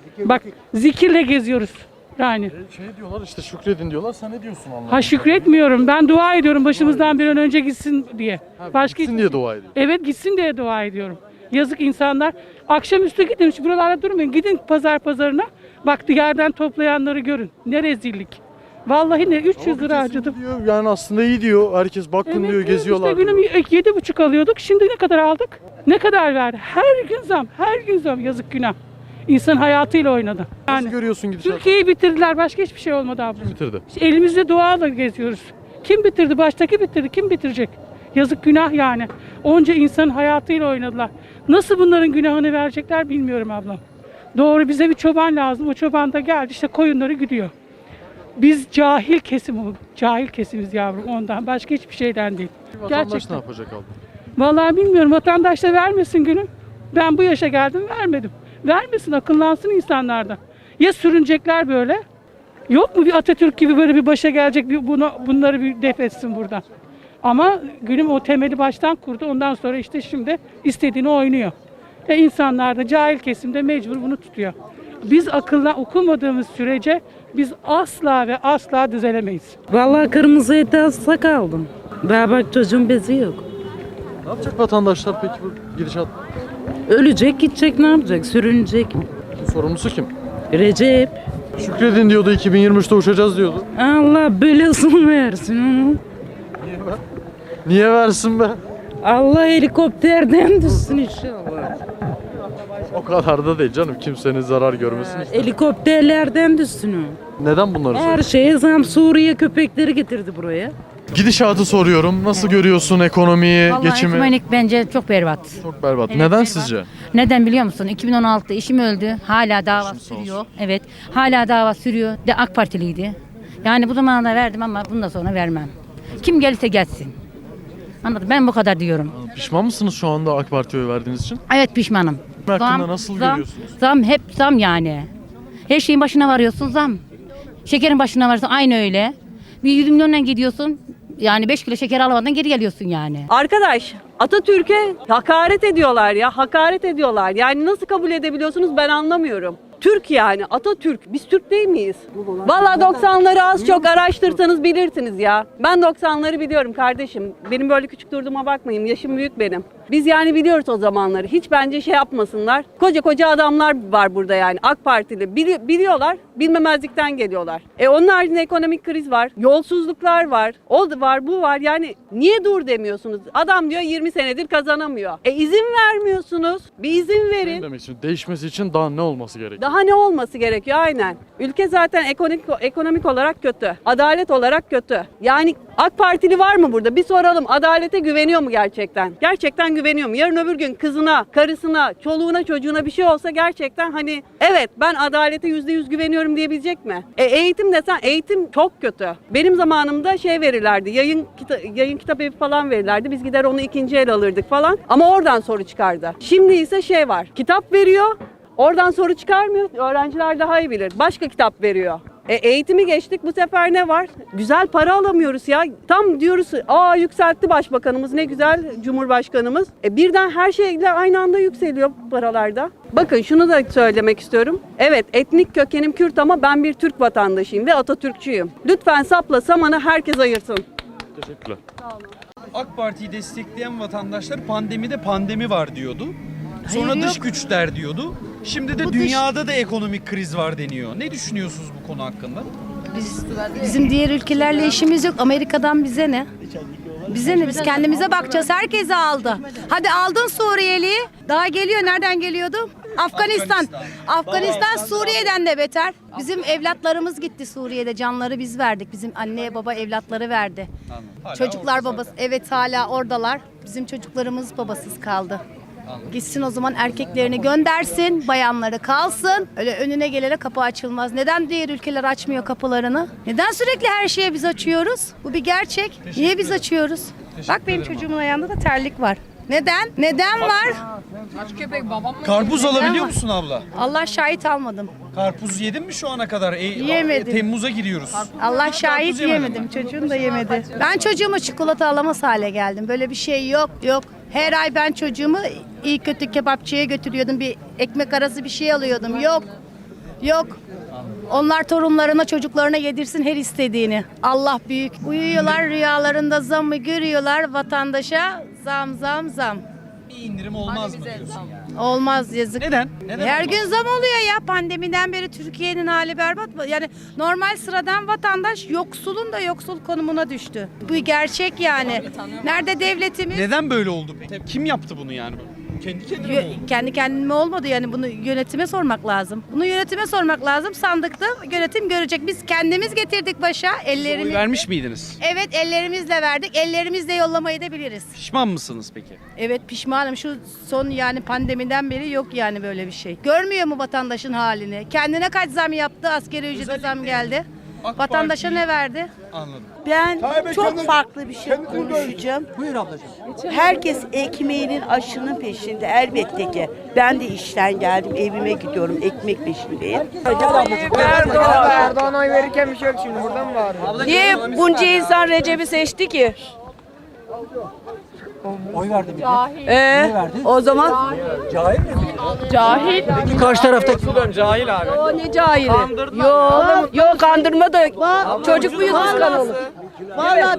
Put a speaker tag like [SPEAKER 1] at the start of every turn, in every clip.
[SPEAKER 1] Bak zikirle geziyoruz. Yani.
[SPEAKER 2] Şey diyorlar işte şükredin diyorlar. Sen ne diyorsun Allah'a?
[SPEAKER 1] Ha şükretmiyorum. Ben dua ediyorum başımızdan bir an önce gitsin diye.
[SPEAKER 2] Gitsin diye dua ediyor.
[SPEAKER 1] Evet gitsin diye dua ediyorum. Yazık insanlar. Akşamüstü gidin şu buralarda durmayın. Gidin pazarına. Bak yerden toplayanları görün. Ne rezillik. Vallahi ne 300 lira harcadım.
[SPEAKER 2] Diyor, yani aslında iyi diyor. Herkes bakın diyor, geziyorlar.
[SPEAKER 1] İşte günüm 7,5 alıyorduk. Şimdi ne kadar aldık? Ne kadar verdi? Her gün zam. Yazık günah. İnsan hayatıyla oynadı.
[SPEAKER 2] Nasıl görüyorsun gidişatı?
[SPEAKER 1] Türkiye'yi bitirdiler. Başka hiçbir şey olmadı abla.
[SPEAKER 2] Bitirdi.
[SPEAKER 1] İşte elimizde duayla geziyoruz. Kim bitirdi? Baştaki bitirdi. Kim bitirecek? Yazık günah yani. Onca insanın hayatıyla oynadılar. Nasıl bunların günahını verecekler bilmiyorum ablam. Doğru bize bir çoban lazım. O çoban da geldi işte koyunları gidiyor. Biz cahil kesimiz yavrum ondan. Başka hiçbir şeyden değil.
[SPEAKER 2] Vatandaş ne yapacak abla?
[SPEAKER 1] Vallahi bilmiyorum. Vatandaş da vermesin günüm. Ben bu yaşa geldim vermedim. Vermesin akıllansın insanlardan. Ya sürünecekler böyle. Yok mu bir Atatürk gibi böyle bir başa gelecek bunları bir def etsin buradan. Ama gülüm o temeli baştan kurdu. Ondan sonra işte şimdi istediğini oynuyor. İnsanlar da cahil kesimde mecbur bunu tutuyor. Biz akılla okumadığımız sürece biz asla ve asla düzelemeyiz.
[SPEAKER 3] Vallahi kırmızı ete hasta kaldım. Daha bak çocuğun bezi yok.
[SPEAKER 2] Ne yapacak vatandaşlar peki bu gidişat?
[SPEAKER 3] Ölecek gidecek ne yapacak? Sürünecek mi?
[SPEAKER 2] Sorumlusu kim?
[SPEAKER 3] Recep.
[SPEAKER 2] Şükredin diyordu, 2023'te uçacağız diyordu.
[SPEAKER 3] Allah belasını versin onu.
[SPEAKER 2] Niye versin be?
[SPEAKER 3] Allah helikopterden düşsün inşallah.
[SPEAKER 2] O kadar da değil canım. Kimsenin zarar görmesin.
[SPEAKER 3] Helikopterlerden düşsün o.
[SPEAKER 2] Neden bunları
[SPEAKER 3] Her
[SPEAKER 2] söylüyorsun?
[SPEAKER 3] şeye zam. Suriye köpekleri getirdi buraya.
[SPEAKER 2] Gidişatı soruyorum. Nasıl görüyorsun ekonomiyi,
[SPEAKER 4] Vallahi
[SPEAKER 2] geçimi?
[SPEAKER 4] ekonomik bence çok berbat.
[SPEAKER 2] Çok berbat.
[SPEAKER 4] Evet,
[SPEAKER 2] Neden
[SPEAKER 4] berbat.
[SPEAKER 2] sizce?
[SPEAKER 4] Neden biliyor musun? 2016'da eşim öldü. Hala dava
[SPEAKER 2] Başım sağ
[SPEAKER 4] sürüyor.
[SPEAKER 2] olsun.
[SPEAKER 4] Evet. Hala dava sürüyor. De AK Partiliydi. Yani bu zamanda verdim ama bundan sonra vermem. Kim gelirse gelsin. Anladın? Ben bu kadar diyorum.
[SPEAKER 2] Pişman mısınız şu anda AK Parti'ye oy verdiğiniz için?
[SPEAKER 4] Evet pişmanım.
[SPEAKER 2] Hakkında nasıl görüyorsunuz?
[SPEAKER 4] Zam hep zam yani. Her şeyin başına varıyorsun zam. Şekerin başına varıyorsun aynı öyle. Bir 100 milyonla gidiyorsun. Yani 5 kilo şeker alamadan geri geliyorsun yani.
[SPEAKER 5] Arkadaş Atatürk'e hakaret ediyorlar ya, hakaret ediyorlar. Yani nasıl kabul edebiliyorsunuz ben anlamıyorum. Türk yani Atatürk. Biz Türk değil miyiz? Vallahi 90'ları az çok araştırsanız bilirsiniz ya. Ben 90'ları biliyorum kardeşim. Benim böyle küçük durduğuma bakmayın. Yaşım büyük benim. Biz yani biliyoruz o zamanları. Hiç bence şey yapmasınlar. Koca koca adamlar var burada yani. AK Partili. Biliyorlar. Bilmemezlikten geliyorlar. Onun haricinde ekonomik kriz var. Yolsuzluklar var. O var, bu var. Yani niye dur demiyorsunuz? Adam diyor 20 senedir kazanamıyor. İzin vermiyorsunuz. Bir izin
[SPEAKER 2] Ne
[SPEAKER 5] verin.
[SPEAKER 2] demek için? Değişmesi için daha ne olması gerekiyor?
[SPEAKER 5] Daha ne olması gerekiyor aynen. Ülke zaten ekonomik olarak kötü. Adalet olarak kötü. Yani AK Partili var mı burada? Bir soralım. Adalete güveniyor mu gerçekten? Gerçekten güveniyor mu? Yarın öbür gün kızına, karısına, çoluğuna, çocuğuna bir şey olsa gerçekten hani evet ben adalete %100 güveniyorum diyebilecek mi? Eğitim desen eğitim çok kötü. Benim zamanımda şey verirlerdi. Yayın kitap evi falan verirlerdi. Biz gider onu ikinci el alırdık falan. Ama oradan soru çıkardı. Şimdi ise şey var. Kitap veriyor. Oradan soru çıkarmıyor. Öğrenciler daha iyi bilir. Başka kitap veriyor. Eğitimi geçtik. Bu sefer ne var? Güzel para alamıyoruz ya. Tam diyoruz yükseltti başbakanımız. Ne güzel Cumhurbaşkanımız. Birden her şeyle aynı anda yükseliyor paralarda. Bakın şunu da söylemek istiyorum. Evet etnik kökenim Kürt ama ben bir Türk vatandaşıyım ve Atatürkçüyüm. Lütfen sapla samanı herkes ayırsın.
[SPEAKER 2] Teşekkürler.
[SPEAKER 6] AK Parti'yi destekleyen vatandaşlar pandemide pandemi var diyordu. Sonra dış güçler diyordu. Şimdi de dünyada da ekonomik kriz var deniyor. Ne düşünüyorsunuz bu konu hakkında?
[SPEAKER 7] Bizim diğer ülkelerle işimiz yok. Amerika'dan bize ne? Bize ne? Biz kendimize bakacağız. Herkesi aldı. Hadi aldın Suriyeli'yi. Daha geliyor. Nereden geliyordu? Afganistan Suriye'den de beter. Bizim evlatlarımız gitti Suriye'de. Canları biz verdik. Bizim anne baba evlatları verdi. Çocuklar babası. Evet hala oradalar. Bizim çocuklarımız babasız kaldı. Gitsin o zaman erkeklerini göndersin, bayanları kalsın. Öyle önüne gelene kapı açılmaz. Neden diğer ülkeler açmıyor kapılarını? Neden sürekli her şeye biz açıyoruz? Bu bir gerçek. Niye biz açıyoruz? Bak benim çocuğumun ayağında da terlik var. Neden? Neden var?
[SPEAKER 6] Karpuz alabiliyor musun abla?
[SPEAKER 7] Allah şahit almadım.
[SPEAKER 6] Karpuz yedin mi şu ana kadar?
[SPEAKER 7] Yemedim.
[SPEAKER 6] Temmuz'a giriyoruz.
[SPEAKER 7] Allah şahit
[SPEAKER 6] yemedin mi?
[SPEAKER 7] yemedim. Çocuğum da yemedi. Ben çocuğuma çikolata alamaz hale geldim. Böyle bir şey yok. Her ay ben çocuğumu iyi kötü kebapçıya götürüyordum. Bir ekmek arası bir şey alıyordum. Yok. Yok. Onlar torunlarına, çocuklarına yedirsin her istediğini. Allah büyük. Uyuyorlar rüyalarında zammı görüyorlar. Vatandaşa zam zam zam.
[SPEAKER 6] Bir indirim olmaz mı diyorsun yani?
[SPEAKER 7] Olmaz, yazık.
[SPEAKER 6] Neden? Neden?
[SPEAKER 7] Her gün zam oluyor ya. Pandemiden beri Türkiye'nin hali berbat. Yani normal sıradan vatandaş yoksulun da yoksul konumuna düştü. Bu gerçek yani. Nerede devletimiz?
[SPEAKER 6] Neden böyle oldu peki? Kim yaptı bunu yani? Kendi kendine mi oldu?
[SPEAKER 7] Kendi kendime olmadı yani, bunu yönetime sormak lazım. Bunu yönetime sormak lazım. Sandıkta yönetim görecek. Biz kendimiz getirdik başa
[SPEAKER 6] Oy
[SPEAKER 7] ellerini.
[SPEAKER 6] vermiş miydiniz?
[SPEAKER 7] Evet, ellerimizle verdik. Ellerimizle yollamayı da biliriz.
[SPEAKER 6] Pişman mısınız peki?
[SPEAKER 7] Evet, pişmanım. Şu son yani pandemiden beri yok yani böyle bir şey. Görmüyor mu vatandaşın halini? Kendine kaç zam yaptı? Asgari ücrete zam geldi.
[SPEAKER 6] AK
[SPEAKER 7] Vatandaşa
[SPEAKER 6] Parti-
[SPEAKER 7] ne verdi?
[SPEAKER 6] Anladım.
[SPEAKER 8] Ben çok farklı bir şey konuşacağım.
[SPEAKER 2] Buyur ablacığım.
[SPEAKER 8] Herkes ekmeğinin aşının peşinde elbette ki. Ben de işten geldim, evime gidiyorum, ekmek peşindeyim.
[SPEAKER 9] Erdoğan oy verirken bir şey yok şimdi, buradan mı bağırıyor?
[SPEAKER 5] Niye bunca insan Recep'i seçti ki?
[SPEAKER 9] Oy verdi bir
[SPEAKER 5] O zaman
[SPEAKER 9] Peki karşı taraftaki cahil abi.
[SPEAKER 5] o ne cahili? Yok kandırma da çocuk muyuz biz kanalı?
[SPEAKER 8] Valla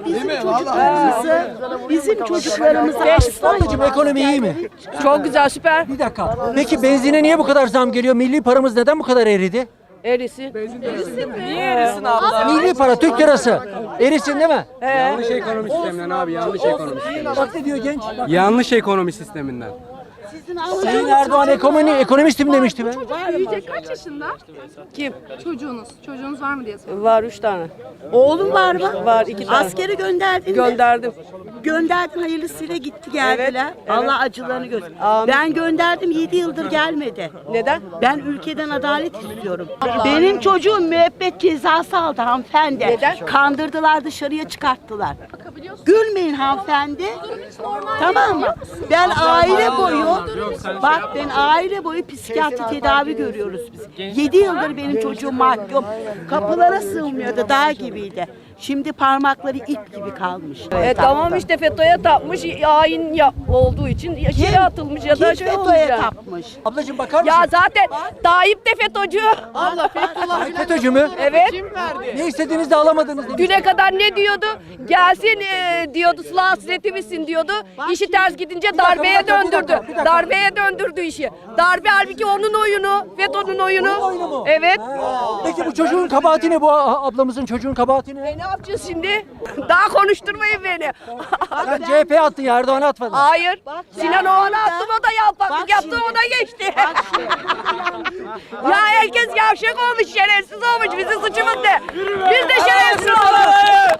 [SPEAKER 8] bizim çocuklarımızı
[SPEAKER 9] Ablacığım ekonomi iyi mi?
[SPEAKER 5] Çok güzel, süper.
[SPEAKER 9] Bir dakika. Peki benzine niye bu kadar zam geliyor? Milli paramız neden bu kadar eridi?
[SPEAKER 5] Erisin.
[SPEAKER 9] Milli para Türk lirası. Erisin değil mi?
[SPEAKER 10] Yanlış ekonomi sisteminden abi, yanlış ekonomi sisteminden.
[SPEAKER 9] Bak ne diyor genç.
[SPEAKER 10] Yanlış ekonomi sisteminden.
[SPEAKER 9] Sayın Erdoğan ekonomistim demişti be.
[SPEAKER 11] Büyüyecek kaç yaşında? Kim? Çocuğunuz. Çocuğunuz var mı diye soruyorum.
[SPEAKER 5] Var 3 tane.
[SPEAKER 8] Oğlum var mı?
[SPEAKER 5] Var 2 tane.
[SPEAKER 8] Askere gönderdin mi?
[SPEAKER 5] Gönderdim.
[SPEAKER 8] Gönderdin, hayırlısıyla gitti geldiler.
[SPEAKER 5] Evet.
[SPEAKER 8] Allah acılarını görsün.
[SPEAKER 5] Amin.
[SPEAKER 8] Ben gönderdim, 7 yıldır gelmedi.
[SPEAKER 5] Neden?
[SPEAKER 8] Ben ülkeden adalet istiyorum. Benim çocuğum müebbet cezası aldı hanımefendi.
[SPEAKER 5] Neden?
[SPEAKER 8] Kandırdılar, dışarıya çıkarttılar. Gülmeyin hanımefendi. Tamam mı? Ben aile boyu, bak ben aile boyu psikiyatri tedavi görüyoruz biz. 7 yıldır benim çocuğum mahkum. Kapılara sığmıyordu, dağ gibiydi. Şimdi parmakları ip gibi kalmış.
[SPEAKER 5] Tamam işte FETÖ'ye tapmış, hain olduğu için içeri atılmış ya da şey olmuş
[SPEAKER 8] FETÖ'ye
[SPEAKER 5] yani.
[SPEAKER 8] tapmış.
[SPEAKER 9] Ablacığım bakar mısın?
[SPEAKER 5] Ya zaten Tayyip de FETÖ'cü.
[SPEAKER 9] FETÖ'cü mü?
[SPEAKER 5] Evet.
[SPEAKER 9] Ne istediğinizi de alamadınız demiş.
[SPEAKER 5] Düne kadar ne diyordu? Gelsin diyordu, sıla hasretimizsin diyordu. İşi ters gidince darbeye döndürdü. Darbeye döndürdü işi. Darbe halbuki onun oyunu, FETÖ'nün oyunu.
[SPEAKER 9] Onun oyunu mu?
[SPEAKER 5] Evet.
[SPEAKER 9] Peki bu çocuğun kabahati ne, bu ablamızın çocuğun kabahati ne?
[SPEAKER 5] Ne yapacağız şimdi? Daha konuşturmayın beni.
[SPEAKER 9] Sen CHP'ye attın ya, Erdoğan'a atmadın.
[SPEAKER 5] Hayır. Sinan Oğan'a attım, o da yalpaklık
[SPEAKER 8] Bak
[SPEAKER 5] yaptı,
[SPEAKER 8] şimdi.
[SPEAKER 5] ona geçti. Ya herkes yavşak olmuş, şerefsiz olmuş. Bizim suçumuz ne? Biz de şerefsiz olalım.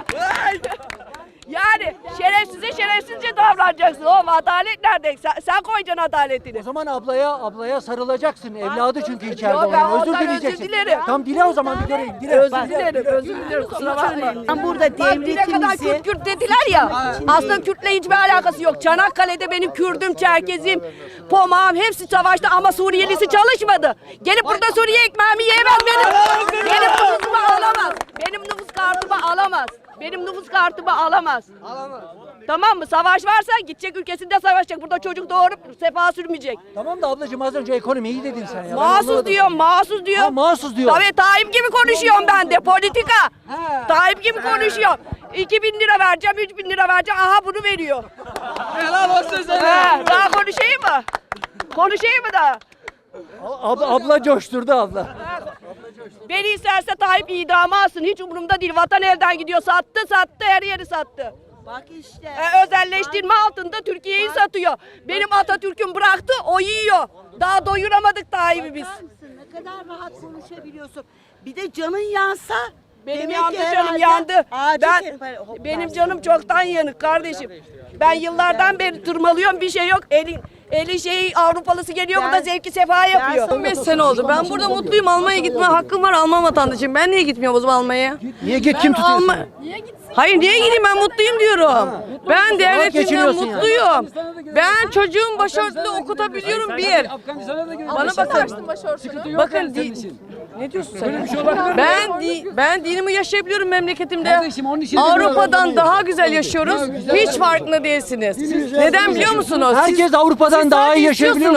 [SPEAKER 5] Yani şerefsize şerefsizce davranacaksın. Oğlum adalet nerede? Sen koyacaksın adaletini.
[SPEAKER 9] O zaman ablaya sarılacaksın. Evladı çünkü içeride
[SPEAKER 5] Yok, ben
[SPEAKER 9] onun. Özür
[SPEAKER 5] ondan özür
[SPEAKER 9] dileyeceksin.
[SPEAKER 5] dilerim.
[SPEAKER 9] Tamam dile o zaman, bir göreyim. Dile.
[SPEAKER 5] Özür dilerim, özür dilerim. Kusura bakma.
[SPEAKER 8] Ben burada
[SPEAKER 5] Bak düne kadar
[SPEAKER 8] devletimizi...
[SPEAKER 5] Kürt dediler ya. Aslında Kürt'le hiçbir alakası yok. Çanakkale'de benim Kürdüm, Çerkezim, Pomağım hepsi savaştı ama Suriyelisi çalışmadı. Gelip burada Suriye ekmeğimi yiyemez benim. Benim nüfusumu alamaz. Benim nüfus kartımı alamaz. Benim nüfus kartımı alamaz. Tamam mı? Savaş varsa gidecek, ülkesinde savaşacak. Burada çocuk doğurup sefa sürmeyecek.
[SPEAKER 9] Tamam da ablacığım az önce ekonomi iyi dedin sen ya. Ben
[SPEAKER 5] Mahsus
[SPEAKER 9] anlamadım.
[SPEAKER 5] diyorum, mahsus diyorum.
[SPEAKER 9] Ha, mahsus diyor.
[SPEAKER 5] Tabii Tayyip gibi konuşuyorum ben de, politika.
[SPEAKER 9] He.
[SPEAKER 5] Tayyip gibi konuşuyorum. 2.000 lira vereceğim, 3.000 lira vereceğim. Aha bunu veriyor.
[SPEAKER 9] Helal olsun sana.
[SPEAKER 5] Daha konuşayım mı? Konuşayım mı daha?
[SPEAKER 9] Abla coşturdu abla.
[SPEAKER 5] Beni isterse Tayyip idama alsın. Hiç umurumda değil. Vatan elden gidiyor. Sattı, her yeri sattı.
[SPEAKER 8] Bak işte.
[SPEAKER 5] Özelleştirme altında Türkiye'yi satıyor. Benim Atatürk'üm bıraktı, o yiyor. Daha doyuramadık Tayyip'i biz.
[SPEAKER 8] Ne kadar rahat konuşabiliyorsun. Bir de canın yansa...
[SPEAKER 5] Benim
[SPEAKER 8] demek
[SPEAKER 5] yandı
[SPEAKER 8] ki
[SPEAKER 5] canım
[SPEAKER 8] herhalde
[SPEAKER 5] yandı.
[SPEAKER 8] acil
[SPEAKER 5] Benim canım çoktan yanık kardeşim. Ben yıllardan beri tırmalıyorum, bir şey yok. Eli şey Avrupalısı geliyor, bu da zevki sefa yapıyor.
[SPEAKER 11] 15 sene oldu. Ben burada mutluyum. Almanya gitme hakkım var. Alman vatandaşıyım. Ben niye gitmiyorum o zaman Almanya'ya?
[SPEAKER 9] Niye git, kim tutuyorsun?
[SPEAKER 11] Hayır niye gideyim, ben mutluyum diyorum. Ben devletimden
[SPEAKER 9] geçiniyorsun yani.
[SPEAKER 11] mutluyum. Ben çocuğum başörtülü okutabiliyorum bir. Bana bakın. Bakın ne diyorsun sen? Ben dinimi yaşayabiliyorum memleketimde. Avrupa'dan daha güzel yaşıyoruz. Hiç farkında değilsiniz. Neden biliyor musunuz?
[SPEAKER 9] Herkes Avrupa'dan
[SPEAKER 11] Siz
[SPEAKER 9] daha iyi
[SPEAKER 11] sadece
[SPEAKER 9] yaşayabiliyor
[SPEAKER 11] istiyorsunuz.
[SPEAKER 9] musun?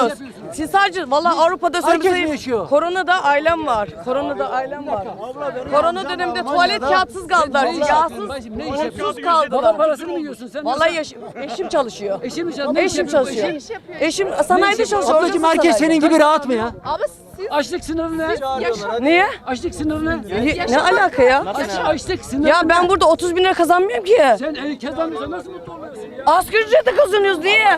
[SPEAKER 11] Siz sadece vallahi Avrupa'da
[SPEAKER 9] Herkes mi yaşıyor?
[SPEAKER 11] Koronada ailem var. Koronada ailem var. Korona döneminde tuvalet kağıtsız kaldılar. Yağsız,
[SPEAKER 9] Ne iş
[SPEAKER 11] unsuz
[SPEAKER 9] yapıyorsun? Baba
[SPEAKER 11] kaldılar.
[SPEAKER 9] parasını mı yiyorsun sen?
[SPEAKER 11] Vallahi eşim çalışıyor.
[SPEAKER 9] Eşim mi çalışıyor?
[SPEAKER 11] Eşim çalışıyor. Eşim sanayide çalışıyor.
[SPEAKER 9] Ablacığım
[SPEAKER 11] orada
[SPEAKER 9] herkes
[SPEAKER 11] sanayide.
[SPEAKER 9] senin gibi rahat mı ya?
[SPEAKER 11] Abi siz
[SPEAKER 9] Açlık sınırı ne?
[SPEAKER 11] niye?
[SPEAKER 9] Açlık sınırı ne?
[SPEAKER 11] Ne alaka ya?
[SPEAKER 9] Açlık sınırı
[SPEAKER 11] Ya ben
[SPEAKER 9] ne?
[SPEAKER 11] burada 30 bin lira kazanmıyorum ki.
[SPEAKER 9] Sen kazanmıyorsan nasıl mutlu oluyorsun ya?
[SPEAKER 11] Asgari ücrete kazanıyoruz niye?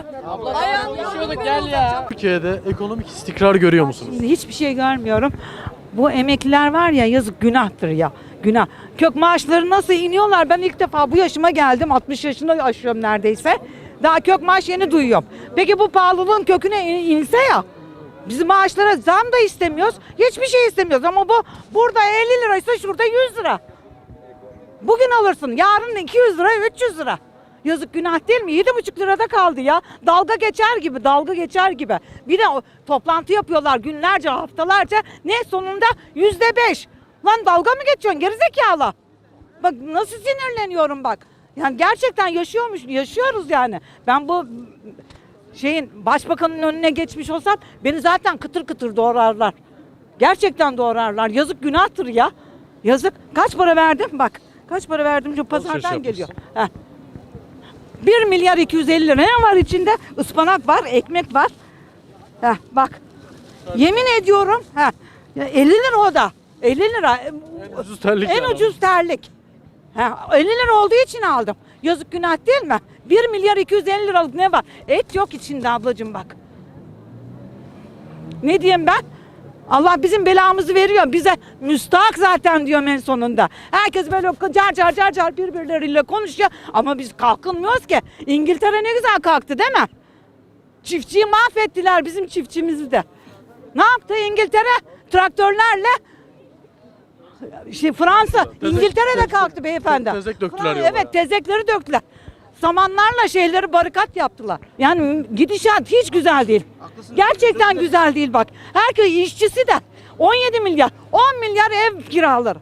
[SPEAKER 2] Türkiye'de ekonomik istikrar görüyor musunuz?
[SPEAKER 12] Hiçbir şey görmüyorum. Bu emekliler var ya, yazık, günahtır ya. Günah. Kök maaşları nasıl iniyorlar? Ben ilk defa bu yaşıma geldim. 60 yaşını aşıyorum neredeyse. Daha kök maaş yeni duyuyorum. Peki bu pahalılığın köküne inse ya. Bizim maaşlara zam da istemiyoruz. Hiçbir şey istemiyoruz ama bu burada 50 liraysa şurada 100 lira. Bugün alırsın. Yarın 200 lira, 300 lira. Yazık, günah değil mi? 7,5 lirada kaldı ya. Dalga geçer gibi, dalga geçer gibi. Bir de toplantı yapıyorlar günlerce, haftalarca. Ne sonunda %5. Lan dalga mı geçiyorsun gerizekalı? Bak nasıl sinirleniyorum bak. Yani gerçekten yaşıyoruz yani. Ben bu başbakanın önüne geçmiş olsam beni zaten kıtır kıtır doğrarlar. Gerçekten doğrarlar. Yazık, günahtır ya. Yazık. Kaç para verdim? Bak. Kaç para verdim? Şu pazardan geliyor. Heh. 1 milyar 250 lira. Ne var içinde? Ispanak var, ekmek var. Heh, bak. Yemin ediyorum. Heh. 50 lira o da. 50 lira.
[SPEAKER 2] En ucuz terlik
[SPEAKER 12] En
[SPEAKER 2] yani.
[SPEAKER 12] ucuz terlik. Ha, 50 lira olduğu için aldım. Yazık, günah değil mi? 1 milyar 250 liralık ne var? Et yok içinde ablacığım bak. Ne diyeyim ben? Allah bizim belamızı veriyor. Bize müstahak zaten diyorum en sonunda. Herkes böyle car car birbirleriyle konuşuyor. Ama biz kalkınmıyoruz ki. İngiltere ne güzel kalktı değil mi? Çiftçiyi mahvettiler, bizim çiftçimizi de. Ne yaptı İngiltere? Traktörlerle Fransa, İngiltere'de kalktı beyefendi.
[SPEAKER 2] Tezek döktüler yola.
[SPEAKER 12] Evet, tezekleri döktüler. Samanlarla barikat yaptılar. Yani gidişat hiç güzel değil. Gerçekten güzel değil bak. Herkes işçisi de 17 milyar, 10 milyar ev kiraları.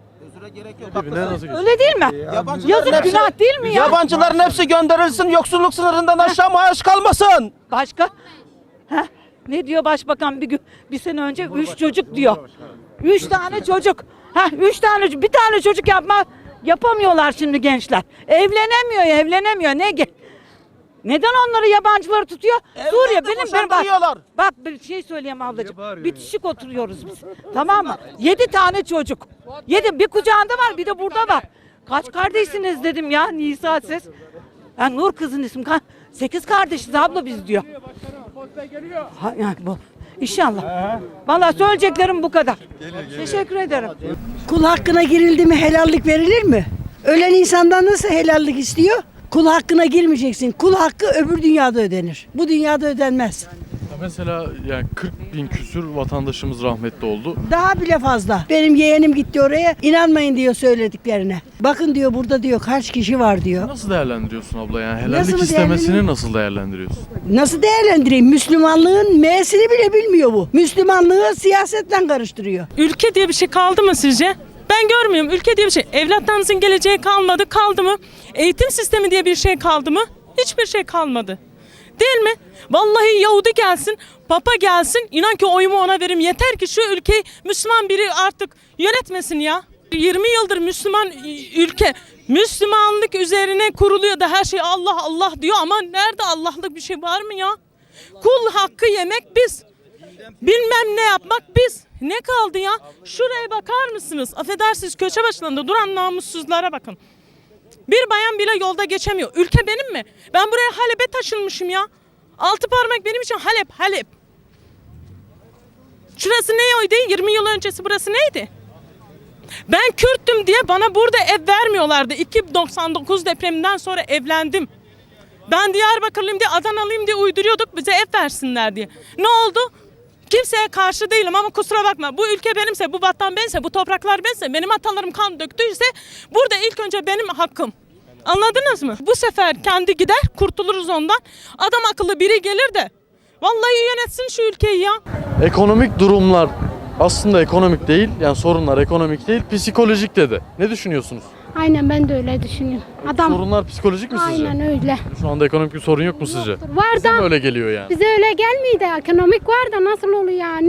[SPEAKER 12] Öyle değil mi? Yazık, günah değil mi ya?
[SPEAKER 10] Yabancıların hepsi gönderilsin, yoksulluk sınırından aşağı maaş kalmasın.
[SPEAKER 12] Başka? Heh, ne diyor başbakan bir sene önce? 3 çocuk diyor. 3 tane çocuk. Bir tane çocuk yapamıyorlar şimdi gençler. Evlenemiyor. Neden onları yabancıları tutuyor? Suriye bak bir şey söyleyeyim ablacığım. Bitişik oturuyoruz biz. Tamam mı? 7 tane çocuk. 7 bir kucağında var, bir de burada var. Kaç kardeşsiniz dedim ya, Nisa ses. Nur kızın ismi. 8 kardeşiz abla biz diyor. Yani bu. İnşallah. Vallahi söyleyeceklerim bu kadar. Teşekkür ederim.
[SPEAKER 8] Kul hakkına girildi mi helallik verilir mi? Ölen insandan nasıl helallik istiyor? Kul hakkına girmeyeceksin. Kul hakkı öbür dünyada ödenir. Bu dünyada ödenmez.
[SPEAKER 2] Ya mesela yani 40 bin küsür vatandaşımız rahmetli oldu.
[SPEAKER 8] Daha bile fazla. Benim yeğenim gitti oraya. İnanmayın diyor söylediklerine. Bakın diyor burada diyor kaç kişi var diyor.
[SPEAKER 2] Nasıl değerlendiriyorsun abla yani helallik
[SPEAKER 8] Nasıl
[SPEAKER 2] istemesini nasıl değerlendiriyorsun?
[SPEAKER 8] Nasıl değerlendireyim? Müslümanlığın M'sini bile bilmiyor bu. Müslümanlığı siyasetle karıştırıyor.
[SPEAKER 3] Ülke diye bir şey kaldı mı sizce? Ben görmüyorum. Ülke diye bir şey. Evlatlarınızın geleceği kaldı mı? Eğitim sistemi diye bir şey kaldı mı? Hiçbir şey kalmadı. Değil mi? Vallahi Yahudi gelsin, Papa gelsin. İnan ki oyumu ona veririm. Yeter ki şu ülkeyi Müslüman biri artık yönetmesin ya. 20 yıldır Müslüman ülke. Müslümanlık üzerine kuruluyor da her şey Allah Allah diyor ama nerede Allah'lık bir şey var mı ya? Kul hakkı yemek biz. Bilmem ne yapmak biz. Ne kaldı ya? Şuraya bakar mısınız? Affedersiniz, köşe başlarında duran namussuzlara bakın. Bir bayan bile yolda geçemiyor. Ülke benim mi? Ben buraya Halep'e taşınmışım ya. 6 parmak benim için Halep. Şurası ne oydu? 20 yıl öncesi burası neydi? Ben Kürttüm diye bana burada ev vermiyorlardı. 2.99 depreminden sonra evlendim. Ben Diyarbakırlıyım diye, Adanalıyım diye uyduruyorduk bize ev versinler diye. Ne oldu? Kimseye karşı değilim ama kusura bakma. Bu ülke benimse, bu vatan benimse, bu topraklar benimse, benim atalarım kan döktüyse burada ilk önce benim hakkım. Anladınız mı? Bu sefer kendi gider, kurtuluruz ondan. Adam akıllı biri gelir de vallahi yönetsin şu ülkeyi ya.
[SPEAKER 2] Ekonomik durumlar aslında ekonomik değil, yani sorunlar ekonomik değil, psikolojik dedi. Ne düşünüyorsunuz?
[SPEAKER 7] Aynen ben de öyle düşünüyorum. Adam
[SPEAKER 2] Sorunlar psikolojik mi sizce?
[SPEAKER 7] aynen öyle.
[SPEAKER 2] Şu anda ekonomik bir sorun yok mu sizce?
[SPEAKER 7] Var
[SPEAKER 2] Size mi
[SPEAKER 7] da
[SPEAKER 2] öyle geliyor yani?
[SPEAKER 7] bize öyle gelmiyor da ekonomik var da nasıl oluyor yani?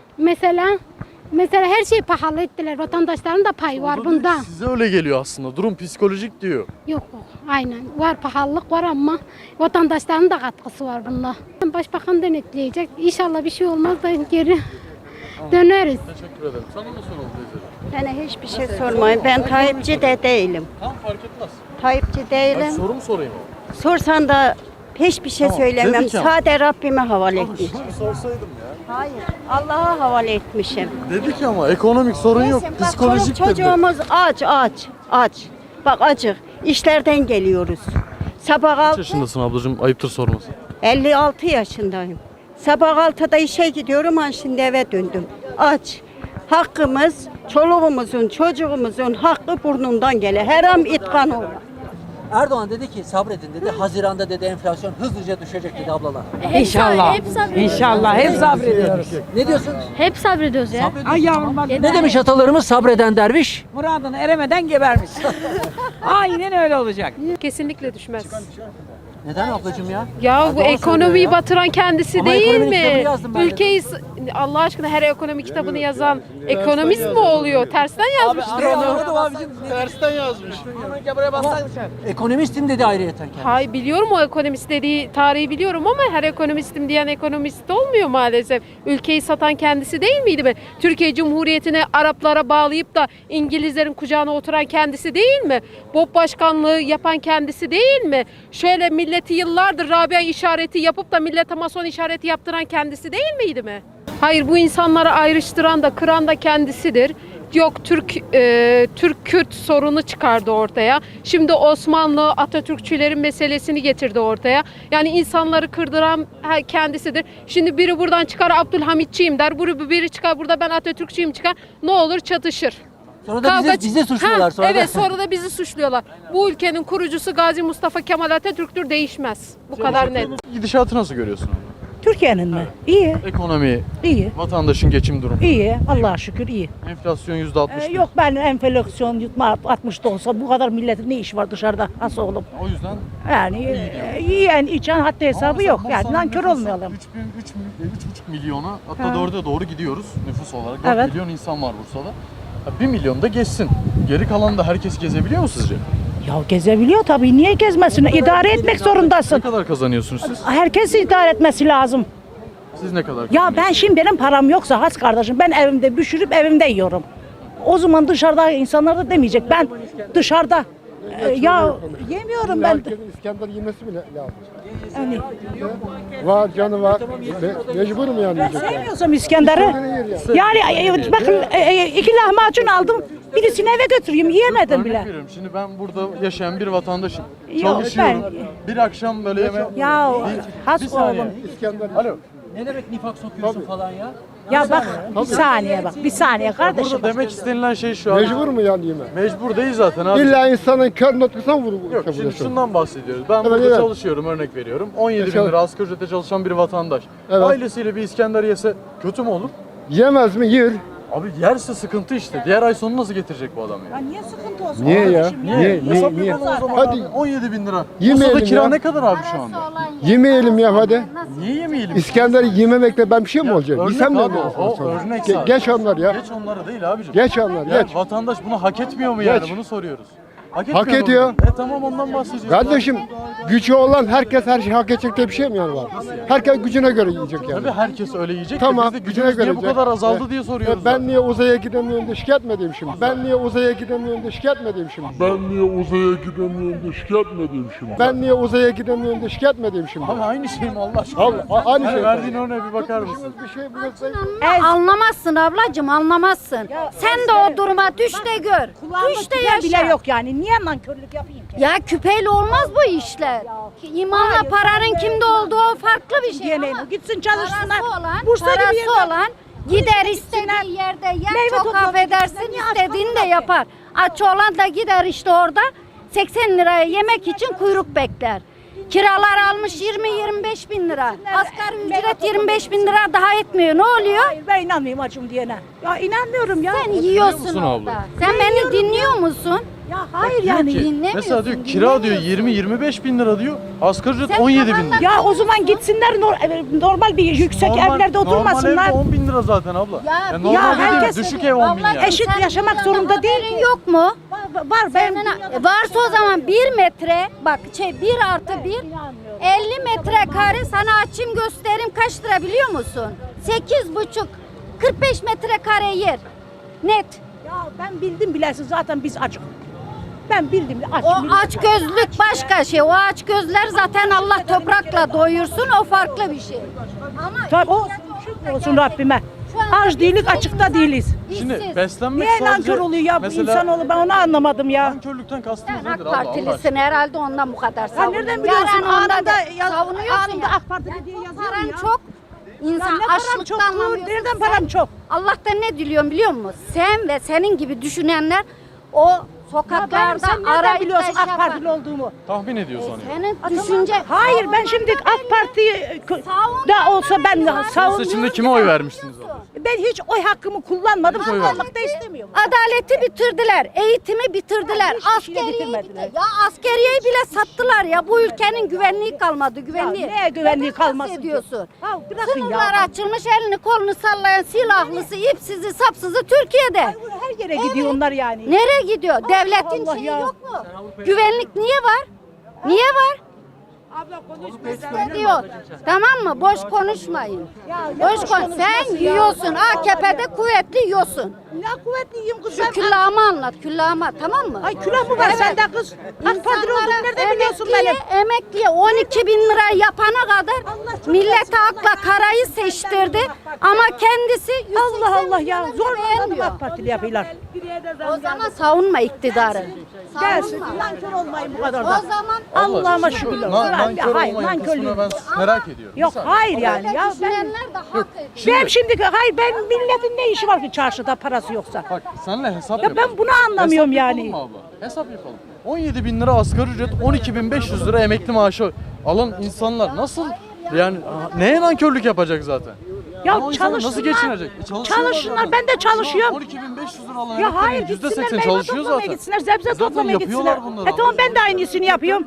[SPEAKER 7] Mesela her şey pahalı ettiler. Vatandaşların da payı var bunda.
[SPEAKER 2] Size öyle geliyor aslında. Durum psikolojik diyor.
[SPEAKER 7] Yok aynen var pahalılık var ama vatandaşların da katkısı var bunda. Başbakan denetleyecek. İnşallah bir şey olmaz da geri döneriz.
[SPEAKER 2] Teşekkür ederim. Sana da soralım teyze.
[SPEAKER 8] Bana hiçbir şey sormayın. Ben Tayyipçi de değilim.
[SPEAKER 2] Tam fark etmez.
[SPEAKER 8] Tayyipçi
[SPEAKER 2] Ben
[SPEAKER 8] değilim.
[SPEAKER 2] soru mu sorayım?
[SPEAKER 8] Sorsan da hiçbir şey
[SPEAKER 2] Tamam,
[SPEAKER 8] söylemem.
[SPEAKER 2] dedik ama.
[SPEAKER 8] Sadece Rabbime havale etmişim.
[SPEAKER 2] Şunu sorsaydım ya.
[SPEAKER 8] Hayır. Allah'a havale etmişim.
[SPEAKER 2] Dedik ama ekonomik sorun yok.
[SPEAKER 8] Neyse, bak,
[SPEAKER 2] Psikolojik
[SPEAKER 8] çoluk
[SPEAKER 2] dedi.
[SPEAKER 8] çocuğumuz aç. Bak acık. İşlerden geliyoruz. Sabah
[SPEAKER 2] Kaç
[SPEAKER 8] 6,
[SPEAKER 2] yaşındasın ablacığım? Ayıptır sorması.
[SPEAKER 8] 56 yaşındayım. Sabah 6'da işe gidiyorum, şimdi eve döndüm. Aç. Hakkımız, çoluğumuzun, çocuğumuzun hakkı burnundan gele. Her an itkan olur.
[SPEAKER 9] Erdoğan dedi ki sabredin dedi. Haziran'da dedi enflasyon hızlıca düşecek dedi ablalar.
[SPEAKER 12] İnşallah. İnşallah hep sabrediyoruz.
[SPEAKER 9] Ne diyorsun?
[SPEAKER 7] Hep sabrediyoruz ya.
[SPEAKER 12] Ay yavrum bak.
[SPEAKER 9] Ne demiş atalarımız sabreden derviş?
[SPEAKER 12] Muradına eremeden gebermiş. Aynen öyle olacak.
[SPEAKER 11] Kesinlikle düşmez.
[SPEAKER 9] Neden ablacığım ya?
[SPEAKER 11] Ya bu
[SPEAKER 9] Erdoğan söylüyor
[SPEAKER 11] ekonomiyi
[SPEAKER 9] ya.
[SPEAKER 11] batıran kendisi
[SPEAKER 9] Ama
[SPEAKER 11] değil
[SPEAKER 9] ekonomi kitabını
[SPEAKER 11] mi?
[SPEAKER 9] yazdım ben de.
[SPEAKER 11] Ülkeyi Allah aşkına her ekonomi kitabını yazan ekonomist mi oluyor? Tersten yazmıştır onu.
[SPEAKER 2] Tersten yazmış.
[SPEAKER 9] Ekonomistim dedi ayrıyeten kendisi.
[SPEAKER 11] Hay biliyorum o ekonomist dediği tarihi biliyorum ama her ekonomistim diyen ekonomist olmuyor maalesef. Ülkeyi satan kendisi değil miydi be? Türkiye Cumhuriyeti'ne Araplara bağlayıp da İngilizlerin kucağına oturan kendisi değil mi? BOP başkanlığı yapan kendisi değil mi? Şöyle milleti yıllardır Rabia işareti yapıp da millete mason işareti yaptıran kendisi değil miydi mi? Hayır, bu insanları ayrıştıran da kıran da kendisidir. Yok Türk-Kürt sorunu çıkardı ortaya. Şimdi Osmanlı Atatürkçülerin meselesini getirdi ortaya. Yani insanları kırdıran kendisidir. Şimdi biri buradan çıkar Abdülhamitçiyim der. Biri çıkar burada ben Atatürkçüyüm çıkar. Ne olur çatışır.
[SPEAKER 9] Sonra da bizi suçluyorlar. Sonra
[SPEAKER 11] evet
[SPEAKER 9] da.
[SPEAKER 11] sonra da bizi suçluyorlar. Bu ülkenin kurucusu Gazi Mustafa Kemal Atatürk'tür, değişmez. Bu kadar net.
[SPEAKER 2] Gidişatı nasıl görüyorsun?
[SPEAKER 12] Türkiye'nin mi? İyi.
[SPEAKER 2] Ekonomi,
[SPEAKER 12] İyi.
[SPEAKER 2] vatandaşın geçim durumu.
[SPEAKER 12] İyi. Allah'a şükür iyi.
[SPEAKER 2] Enflasyon %60.
[SPEAKER 12] Yok ben enflasyon yutma 60'da olsa bu kadar milletin ne işi var dışarıda? Nasıl oğlum?
[SPEAKER 2] O yüzden
[SPEAKER 12] Yani yiyen içen hatta hesabı yok. Yani nankör olmayalım.
[SPEAKER 2] 3,5 milyona hatta 4'e doğru gidiyoruz nüfus olarak. 4
[SPEAKER 12] Evet.
[SPEAKER 2] milyon insan var Bursa'da. 1 milyon da geçsin. Geri kalan da herkes gezebiliyor mu sizce?
[SPEAKER 12] Ya gezebiliyor tabii. Niye gezmesin? İdare etmek
[SPEAKER 2] Ne
[SPEAKER 12] zorundasın.
[SPEAKER 2] kadar kazanıyorsunuz siz?
[SPEAKER 12] Herkes idare etmesi lazım.
[SPEAKER 2] Siz ne kadar
[SPEAKER 12] Ya ben şimdi benim param yoksa has kardeşim ben evimde pişirip evimde yiyorum. O zaman dışarıda insanlar da demeyecek. Ben dışarıda ya yemiyorum ben.
[SPEAKER 10] İskender yemesi bile lazım.
[SPEAKER 12] Yani,
[SPEAKER 10] Var canı var. Mecburum yani yiyecek.
[SPEAKER 12] sevmiyorsam İskender'i. Yani bakın 2 lahmacun aldım. Birisini eve götüreyim. Yiyemedim
[SPEAKER 2] Örnek
[SPEAKER 12] bile.
[SPEAKER 2] veriyorum. Şimdi ben burada yaşayan bir vatandaşım.
[SPEAKER 12] Yok,
[SPEAKER 2] Çalışıyorum. Bir akşam böyle
[SPEAKER 12] Ya has
[SPEAKER 2] bir saniye.
[SPEAKER 12] oğlum.
[SPEAKER 2] Alo.
[SPEAKER 9] Ne demek nifak sokuyorsun falan ya?
[SPEAKER 12] Ya bak bir saniye bak. Bir saniye kardeşim.
[SPEAKER 2] Burada demek istenilen şey şu an.
[SPEAKER 10] Mecbur mu yani yeme?
[SPEAKER 2] Mecbur değil zaten abi.
[SPEAKER 10] İlla insanın kör noktasına vurur.
[SPEAKER 2] Yok şimdi şundan bahsediyoruz. Ben
[SPEAKER 10] Evet,
[SPEAKER 2] burada
[SPEAKER 10] evet.
[SPEAKER 2] çalışıyorum, örnek veriyorum. 17 bin lira asgari ücrete çalışan bir vatandaş.
[SPEAKER 10] Evet.
[SPEAKER 2] Ailesiyle bir İskender yese kötü mü olur?
[SPEAKER 10] Yemez mi? Yer.
[SPEAKER 2] Abi yerse sıkıntı işte. Diğer ay sonu nasıl getirecek bu adam ya?
[SPEAKER 12] Niye sıkıntı olsun?
[SPEAKER 10] Niye ya? Niye?
[SPEAKER 2] Hesap
[SPEAKER 10] Niye?
[SPEAKER 2] yapalım o zaman
[SPEAKER 10] Hadi.
[SPEAKER 2] abi. 17 bin lira.
[SPEAKER 10] Yemeyelim
[SPEAKER 2] Bursa'da kira
[SPEAKER 10] ya.
[SPEAKER 2] ne kadar abi şu anda?
[SPEAKER 10] Yemeyelim ya hadi.
[SPEAKER 2] Niye yemeyelim?
[SPEAKER 10] İskender yememekle ben bir şey mi olacak?
[SPEAKER 2] Örnek
[SPEAKER 10] Yesem ne
[SPEAKER 2] abi
[SPEAKER 10] olur?
[SPEAKER 2] o örnek sadece.
[SPEAKER 10] Geç onlar ya.
[SPEAKER 2] Geç onları değil abicim.
[SPEAKER 10] Geç onlar
[SPEAKER 2] Ya
[SPEAKER 10] geç.
[SPEAKER 2] vatandaş bunu hak etmiyor mu yani?
[SPEAKER 10] Geç.
[SPEAKER 2] Bunu soruyoruz.
[SPEAKER 10] Hak
[SPEAKER 2] etmiyor mu?
[SPEAKER 10] ediyor.
[SPEAKER 2] Tamam ondan bahsedeceğiz.
[SPEAKER 10] Kardeşim gücü olan herkes her şey hak edecek diye bir şey mi yani var? Herkes gücüne göre yiyecek yani.
[SPEAKER 2] Tabii herkes öyle yiyecek.
[SPEAKER 10] Tamam,
[SPEAKER 2] de biz de
[SPEAKER 10] gücüne
[SPEAKER 2] gücümüz
[SPEAKER 10] göre
[SPEAKER 2] niye bu
[SPEAKER 10] yiyecek.
[SPEAKER 2] kadar azaldı diye soruyoruz.
[SPEAKER 10] Ben niye uzaya gidemiyorum da şikayet mi edeyim şimdi? Ben niye uzaya gidemiyorum da şikayet mi edeyim şimdi? Ben niye uzaya gidemiyorum da şikayet mi edeyim şimdi? Ben niye uzaya gidemiyorum da şikayet mi edeyim şimdi?
[SPEAKER 2] Abi aynı şey mi Allah aşkına?
[SPEAKER 10] Aynı
[SPEAKER 2] Hani
[SPEAKER 10] şey.
[SPEAKER 2] verdiğin örneğe bir bakar mısın?
[SPEAKER 10] Bir şey bulursak
[SPEAKER 7] Anlamazsın ablacığım anlamazsın. Sen de o duruma düş de gör. Düş de
[SPEAKER 12] bile
[SPEAKER 7] yaşa.
[SPEAKER 12] yok yani. Niye nankörlük yapayım ki?
[SPEAKER 7] Ya küpeyle olmaz bu işler. İmanla paranın kimde olduğu farklı bir şey
[SPEAKER 12] Diyelim,
[SPEAKER 7] ama
[SPEAKER 12] gitsin çalışsınlar.
[SPEAKER 7] parası olan,
[SPEAKER 12] Bursa'da bir
[SPEAKER 7] parası
[SPEAKER 12] yerde-
[SPEAKER 7] olan gider istediği yerde yer,
[SPEAKER 12] Meyve
[SPEAKER 7] çok
[SPEAKER 12] toplamak
[SPEAKER 7] affedersin
[SPEAKER 12] istersen
[SPEAKER 7] istediğini de yapar. Aç olan da gider işte orada 80 liraya yemek için kuyruk bekler. Kiralar almış 20-25 bin lira. Asgari ücret 25 bin lira daha etmiyor. Ne oluyor?
[SPEAKER 12] Hayır, ben inanmıyorum acım diyene. Ya inanmıyorum ya.
[SPEAKER 7] Sen yiyorsun
[SPEAKER 2] musun
[SPEAKER 7] orada.
[SPEAKER 2] abla?
[SPEAKER 7] Sen beni dinliyor musun?
[SPEAKER 12] Ya hayır
[SPEAKER 2] Diyor
[SPEAKER 12] yani.
[SPEAKER 2] ki,
[SPEAKER 7] dinlemiyorsun,
[SPEAKER 2] mesela diyor kira diyor 20-25 bin lira diyor. Asgari ücret
[SPEAKER 7] Sen
[SPEAKER 2] 17 bin
[SPEAKER 7] babanla-
[SPEAKER 2] lira.
[SPEAKER 12] Ya o zaman gitsinler normal bir yüksek evlerde oturmasınlar.
[SPEAKER 2] Normal ev 10 bin lira zaten abla.
[SPEAKER 7] Ya,
[SPEAKER 2] Normal dediğim
[SPEAKER 12] herkes-
[SPEAKER 2] düşük ev 10 bin
[SPEAKER 7] Vallahi
[SPEAKER 2] yani.
[SPEAKER 12] Eşit
[SPEAKER 7] sen
[SPEAKER 12] yaşamak
[SPEAKER 7] bundan
[SPEAKER 12] zorunda değil
[SPEAKER 7] haberin
[SPEAKER 12] ki.
[SPEAKER 7] yok mu?
[SPEAKER 12] Var ben.
[SPEAKER 7] Varsa o zaman 1 metre bak 1+1 50 metrekare sana açayım göstereyim kaç lira biliyor musun? 8,5 45 metrekare yer. Net.
[SPEAKER 12] Ya ben bildim bilersin zaten biz açık. Ben bildim aç.
[SPEAKER 7] O aç gözlük başka şey. O aç gözler zaten Allah toprakla doyursun o farklı bir şey. Ama
[SPEAKER 12] Tabii o
[SPEAKER 7] ihtiyaç
[SPEAKER 12] şükür
[SPEAKER 7] ortada
[SPEAKER 12] olsun
[SPEAKER 7] gerçekten.
[SPEAKER 12] Rabbime.
[SPEAKER 7] Şu an
[SPEAKER 12] Aç değiliz açıkta değiliz.
[SPEAKER 2] Şimdi
[SPEAKER 7] işsiz.
[SPEAKER 2] beslenmek
[SPEAKER 12] Niye
[SPEAKER 2] sadece
[SPEAKER 12] nankör oluyor ya bu
[SPEAKER 2] mesela
[SPEAKER 12] insanoğlu ben onu anlamadım ya.
[SPEAKER 2] nankörlükten kastımız
[SPEAKER 7] Sen
[SPEAKER 2] nedir
[SPEAKER 7] AK
[SPEAKER 2] abla? Allah aşkına?
[SPEAKER 7] Partilisin herhalde ondan bu kadar
[SPEAKER 12] Sen
[SPEAKER 7] savunuyorsun.
[SPEAKER 12] nereden biliyorsun
[SPEAKER 7] Yarın onda
[SPEAKER 12] anında
[SPEAKER 7] da savunuyorsun
[SPEAKER 12] anında
[SPEAKER 7] ya.
[SPEAKER 12] AK Partili diye yazıyorum
[SPEAKER 7] Paran
[SPEAKER 12] ya.
[SPEAKER 7] çok.
[SPEAKER 12] Ya
[SPEAKER 7] İnsan
[SPEAKER 12] ne param
[SPEAKER 7] açlıktan
[SPEAKER 12] çok?
[SPEAKER 7] anlamıyorsun.
[SPEAKER 12] Nereden
[SPEAKER 7] Sen
[SPEAKER 12] param çok?
[SPEAKER 7] Allah'tan ne diliyorum biliyor musun? Sen ve senin gibi düşünenler o sokaklarda
[SPEAKER 12] Sen nereden
[SPEAKER 7] arayıp
[SPEAKER 12] biliyorsun
[SPEAKER 7] da
[SPEAKER 12] AK
[SPEAKER 7] yapar.
[SPEAKER 12] Partili olduğumu?
[SPEAKER 2] Tahmin ediyor sanıyor.
[SPEAKER 7] Senin düşünce...
[SPEAKER 12] Hayır ben şimdi AK Parti'yi da olsa ben savunmuyorum.
[SPEAKER 2] Seçimde kime oy vermiştiniz abla?
[SPEAKER 12] Ben hiç oy hakkımı kullanmadım.
[SPEAKER 2] Hiç oy
[SPEAKER 12] Kullanmak da istemiyorum.
[SPEAKER 7] Adaleti bitirdiler, eğitimi bitirdiler,
[SPEAKER 12] Hiçbir şeyi
[SPEAKER 7] askeriyeyi
[SPEAKER 12] bitirmediler.
[SPEAKER 7] bitirdiler. Ya askeriyeyi bile sattılar ya. Bu ülkenin güvenliği kalmadı, güvenliği.
[SPEAKER 12] Ya neye güvenliği
[SPEAKER 7] Neden
[SPEAKER 12] kalmasın ki?
[SPEAKER 7] bahsediyorsun?
[SPEAKER 12] Ya bırakın
[SPEAKER 7] Sınırlar
[SPEAKER 12] ya.
[SPEAKER 7] açılmış, elini kolunu sallayan silahlısı, ipsizi, sapsızı Türkiye'de.
[SPEAKER 12] Her yere gidiyor onlar yani.
[SPEAKER 7] Nereye gidiyor? Devletin
[SPEAKER 12] Allah
[SPEAKER 7] şeyi
[SPEAKER 12] ya.
[SPEAKER 7] yok mu? Güvenlik niye var? Niye var? Ne diyor? Tamam mı? Boş konuşmayın. Boş kon. Sen yiyorsun. AKP'de kuvvetli yiyorsun.
[SPEAKER 12] Ne kuvvetli yiyeyim kız
[SPEAKER 7] Şu
[SPEAKER 12] sen.
[SPEAKER 7] küllahımı anlat. Küllahıma tamam mı?
[SPEAKER 12] Ay külah mı var sende kız? AK Partili olduğunu nereden biliyorsun benim?
[SPEAKER 7] Emekliye 12 bin lira yapana kadar millet akla karayı seçtirdi ama kendisi 180
[SPEAKER 12] Allah Allah ya.
[SPEAKER 7] milyonu
[SPEAKER 12] Zor
[SPEAKER 7] beğenmiyor.
[SPEAKER 12] AK Partili yapıyorlar.
[SPEAKER 7] O zaman savunma iktidarı.
[SPEAKER 12] Gelsin.
[SPEAKER 7] Savunma.
[SPEAKER 12] Nankör olmayın bu kadar
[SPEAKER 7] O
[SPEAKER 12] da.
[SPEAKER 7] zaman
[SPEAKER 12] Allah'ıma şükürler olsun.
[SPEAKER 2] Nankör
[SPEAKER 12] Hayır
[SPEAKER 2] olmayın kısmını
[SPEAKER 12] nankörlüğüm.
[SPEAKER 2] ben merak ediyorum.
[SPEAKER 12] Yok
[SPEAKER 2] Bir saniye.
[SPEAKER 12] hayır yani. Ya ben,
[SPEAKER 7] düşünenler de hak ediyor.
[SPEAKER 12] ben şimdi hayır ben milletin ne işi var ki çarşıda parası yoksa?
[SPEAKER 2] Bak senle hesap
[SPEAKER 12] Ya
[SPEAKER 2] yapalım.
[SPEAKER 12] ben bunu anlamıyorum
[SPEAKER 2] Hesap
[SPEAKER 12] yani.
[SPEAKER 2] yapalım mı abla? Hesap yapalım. 17 bin lira asgari ücret, 12.500 lira emekli maaşı alan insanlar nasıl yani neye nankörlük yapacak zaten?
[SPEAKER 12] Ya
[SPEAKER 2] O insanlar nasıl
[SPEAKER 12] çalışsınlar.
[SPEAKER 2] geçinecek?
[SPEAKER 12] Çalışsınlar ben de çalışıyorum.
[SPEAKER 2] 12.500 lira alan
[SPEAKER 12] Ya hayır
[SPEAKER 2] emeklilerin
[SPEAKER 12] gitsinler
[SPEAKER 2] %80
[SPEAKER 12] meyve
[SPEAKER 2] çalışıyor
[SPEAKER 12] toplamaya
[SPEAKER 2] zaten.
[SPEAKER 12] gitsinler, sebze
[SPEAKER 2] Zaten
[SPEAKER 12] toplamaya
[SPEAKER 2] yapıyorlar
[SPEAKER 12] gitsinler.
[SPEAKER 2] bunları
[SPEAKER 12] Tamam
[SPEAKER 2] abla.
[SPEAKER 12] ben de aynısını yapıyorum.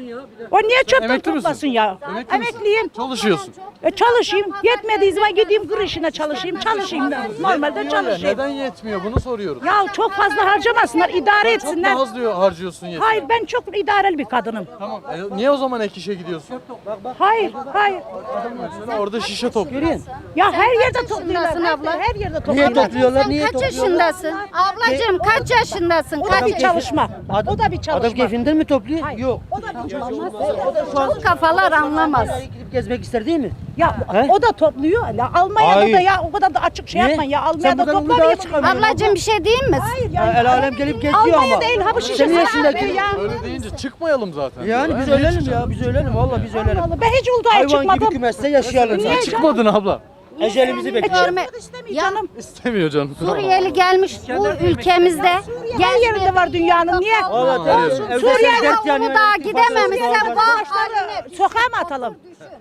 [SPEAKER 12] O niye çöpten
[SPEAKER 2] Emekli misin?
[SPEAKER 12] toplasın ya?
[SPEAKER 2] Emekli misin?
[SPEAKER 12] Emekliyim.
[SPEAKER 2] Çalışıyorsun.
[SPEAKER 12] Çalışayım. Yetmediği zaman gideyim kır işine çalışayım. Çalışayım da. Normalde
[SPEAKER 2] Yetmiyor ya,
[SPEAKER 12] çalışayım.
[SPEAKER 2] neden yetmiyor bunu soruyoruz.
[SPEAKER 12] Ya çok fazla harcamasınlar, idare
[SPEAKER 2] Çok
[SPEAKER 12] etsinler.
[SPEAKER 2] daha az diyor harcıyorsun yetmiyor.
[SPEAKER 12] Hayır ben çok idareli bir kadınım.
[SPEAKER 2] Tamam. Niye o zaman ek işe gidiyorsun?
[SPEAKER 12] Hayır, hayır.
[SPEAKER 2] Sen orada şişe topluyorsun.
[SPEAKER 12] Ya her yerde topluyorlar.
[SPEAKER 7] yaşındasın abla?
[SPEAKER 12] Her yerde topluyorlar.
[SPEAKER 7] Sen kaç yaşındasın? Ablacığım kaç yaşındasın?
[SPEAKER 12] O da
[SPEAKER 7] Kaç
[SPEAKER 12] bir çalışma. O da bir çalışma.
[SPEAKER 9] Adam keyfinden mi topluyor?
[SPEAKER 12] Hayır.
[SPEAKER 9] Yok.
[SPEAKER 12] O da bir çalışma.
[SPEAKER 7] Çok kafalar anlamaz.
[SPEAKER 9] Gidip gezmek ister değil mi?
[SPEAKER 12] Ya
[SPEAKER 9] He?
[SPEAKER 12] o da topluyor. Ya Almanya'da
[SPEAKER 9] Hayır.
[SPEAKER 12] da ya o kadar da açık şey
[SPEAKER 9] Niye?
[SPEAKER 12] yapmayın ya.
[SPEAKER 9] Sen
[SPEAKER 12] Almanya'da
[SPEAKER 9] buradan
[SPEAKER 12] toplamaya
[SPEAKER 9] Uludağ'a
[SPEAKER 12] çıkamıyor.
[SPEAKER 7] Ablacığım bir şey diyeyim mi?
[SPEAKER 12] Hayır
[SPEAKER 9] Ya
[SPEAKER 12] ya.
[SPEAKER 9] el alem gelip geziyor
[SPEAKER 12] Almanya
[SPEAKER 9] ama.
[SPEAKER 12] değil ha bu şişe.
[SPEAKER 9] Senin yaşındaki.
[SPEAKER 12] Ya.
[SPEAKER 2] Öyle deyince çıkmayalım zaten.
[SPEAKER 9] Yani
[SPEAKER 2] diyorlar.
[SPEAKER 9] biz
[SPEAKER 2] Niye
[SPEAKER 9] ölelim
[SPEAKER 2] çıkacağız?
[SPEAKER 9] ya, biz ölelim valla biz ölelim.
[SPEAKER 12] Allah, ben hiç Uludağ'a
[SPEAKER 9] Hayvan gibi
[SPEAKER 12] çıkmadım.
[SPEAKER 9] kümeste yaşayalım.
[SPEAKER 12] Niye?
[SPEAKER 2] Çıkmadın abla.
[SPEAKER 9] Ecelimizi bekliyoruz.
[SPEAKER 7] Görme.
[SPEAKER 12] Canım.
[SPEAKER 2] İstemiyor canım.
[SPEAKER 7] Suriyeli gelmiş bu ülkemizde.
[SPEAKER 12] Her yerinde var dünyanın. Niye?
[SPEAKER 9] Evet,
[SPEAKER 2] Olsun.
[SPEAKER 9] evde
[SPEAKER 12] Suriye'de
[SPEAKER 9] sen dert yanıyor.
[SPEAKER 7] Uludağ'a gidememişsen vah haline.
[SPEAKER 12] Sokağa mı atalım?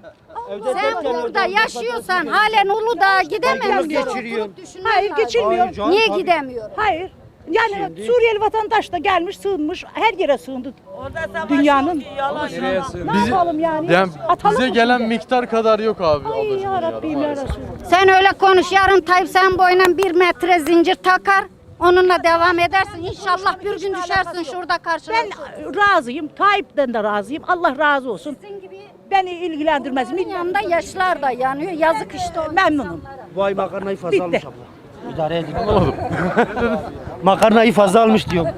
[SPEAKER 7] Sen burada yaşıyorsan halen Uludağ'a gidememişsin.
[SPEAKER 9] geçiriyor.
[SPEAKER 12] Hayır geçilmiyor.
[SPEAKER 7] Niye gidemiyor?
[SPEAKER 12] Hayır. Yani Suriyeli vatandaş da gelmiş sığınmış. Her yere sığındı. Dünyanın. Ne yapalım yani?
[SPEAKER 2] Yani
[SPEAKER 12] Atalım
[SPEAKER 2] bize
[SPEAKER 12] mı
[SPEAKER 2] gelen
[SPEAKER 12] şimdi?
[SPEAKER 2] miktar kadar yok abi.
[SPEAKER 12] Ay
[SPEAKER 2] ablacığım
[SPEAKER 12] ya Rabbim ya
[SPEAKER 2] maalesef.
[SPEAKER 12] Resulallah.
[SPEAKER 7] Sen öyle konuş. Yarın Tayyip sen boyuna 1 metre zincir takar. Onunla devam edersin. İnşallah bir gün düşersin şurada
[SPEAKER 12] Ben
[SPEAKER 7] karşılaşırsın.
[SPEAKER 12] razıyım. Tayyip'ten de razıyım. Allah razı olsun.
[SPEAKER 7] Sizin gibi
[SPEAKER 12] Beni ilgilendirmez.
[SPEAKER 7] senin yanında yaşlar da yanıyor. Yazık işte o.
[SPEAKER 12] Memnunum.
[SPEAKER 9] Vay makarnayı fazla
[SPEAKER 12] Bitti.
[SPEAKER 9] almış abla. İdare edin. Makarnayı fazla almış diyorum.